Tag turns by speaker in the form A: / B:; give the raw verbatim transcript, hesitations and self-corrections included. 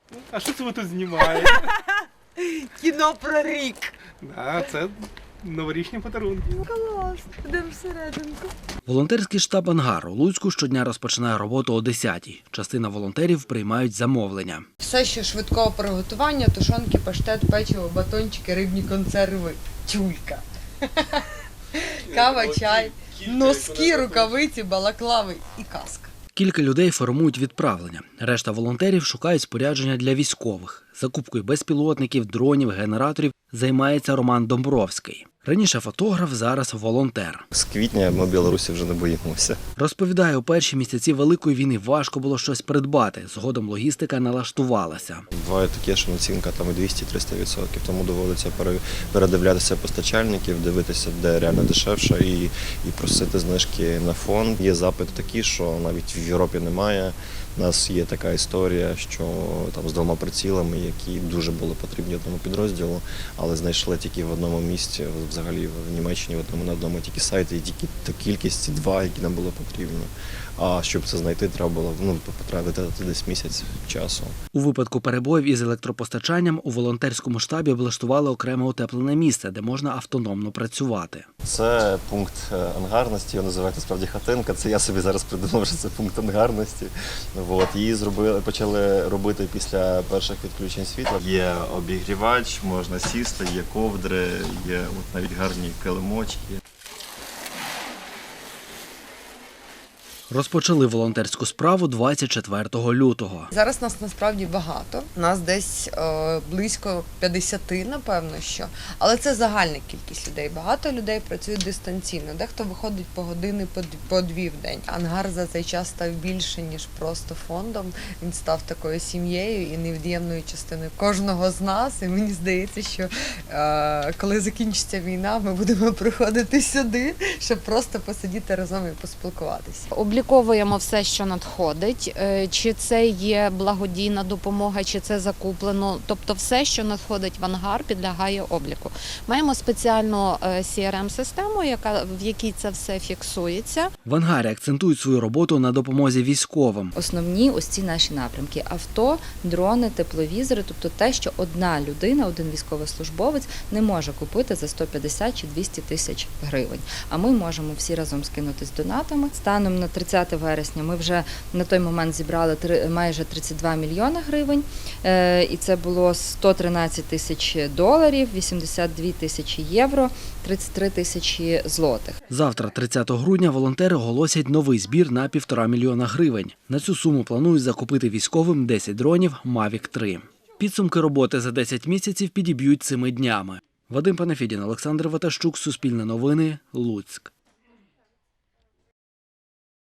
A: А що це ви тут знімаєте?
B: Кіно про рік.
A: Да, це новорічні подарунки.
B: Клас, йдемо всерединку.
C: Волонтерський штаб «Ангар» у Луцьку щодня розпочинає роботу о десятій. Частина волонтерів приймають замовлення.
B: Все, що швидкого приготування, тушонки, паштет, печиво, батончики, рибні консерви, тюлька. Кава, чай, носки, рукавиці, балаклави і каска.
C: Кілька людей формують відправлення. Решта волонтерів шукають спорядження для військових. Закупкою безпілотників, дронів, генераторів займається Роман Домбровський. Раніше фотограф, зараз волонтер.
D: З квітня ми в Білорусі вже не боїмося.
C: Розповідає, у перші місяці Великої війни важко було щось придбати. Згодом логістика налаштувалася.
D: Буває таке, що націнка там і двісті-триста відсотків, тому доводиться передивлятися постачальників, дивитися, де реально дешевше, і, і просити знижки на фонд. Є запит такий, що навіть в Європі немає. У нас є така історія, що там з двома прицілами, які дуже були потрібні одному підрозділу, але знайшли тільки в одному місці, взагалі в Німеччині, в одному на одному тільки сайті, і тільки та кількість, два, які нам було потрібно. А щоб це знайти, треба було ну, потратити десь місяць часу.
C: У випадку перебоїв із електропостачанням у волонтерському штабі облаштували окреме утеплене місце, де можна автономно працювати.
D: Це пункт ангарності, його називають насправді хатинка. Це я собі зараз придумав, що це пункт ангарності. От, її зробили, почали робити після перших відключень світла. Є обігрівач, можна сісти, є ковдри, є от навіть гарні килимочки.
C: Розпочали волонтерську справу двадцять четвертого лютого.
B: Зараз нас насправді багато. Нас десь е, близько п'ятдесят, напевно, що. Але це загальна кількість людей. Багато людей працюють дистанційно. Дехто виходить по години, по, по дві в день. Ангар за цей час став більше, ніж просто фондом. Він став такою сім'єю і невід'ємною частиною кожного з нас. І мені здається, що е, коли закінчиться війна, ми будемо приходити сюди, щоб просто посидіти разом і поспілкуватися.
E: Обліковуємо все, що надходить, чи це є благодійна допомога, чи це закуплено. Тобто все, що надходить в ангар, підлягає обліку. Маємо спеціальну сі ар ем-систему, яка, в якій це все фіксується.
C: В ангарі акцентують свою роботу на допомозі військовим.
F: Основні ось ці наші напрямки – авто, дрони, тепловізори, тобто те, що одна людина, один військовослужбовець не може купити за сто п'ятдесят чи двісті тисяч гривень. А ми можемо всі разом скинутись донатами. Станом на тридцяте вересня ми вже на той момент зібрали майже тридцять два мільйони гривень, і це було сто тринадцять тисяч доларів, вісімдесят дві тисячі євро, тридцять три тисячі злотих.
C: Завтра, тридцятого грудня, волонтери оголосять новий збір на півтора мільйона гривень. На цю суму планують закупити військовим десять дронів Мавік три. Підсумки роботи за десять місяців підіб'ють цими днями. Вадим Панафідін, Олександр Ватащук, Суспільне новини, Луцьк.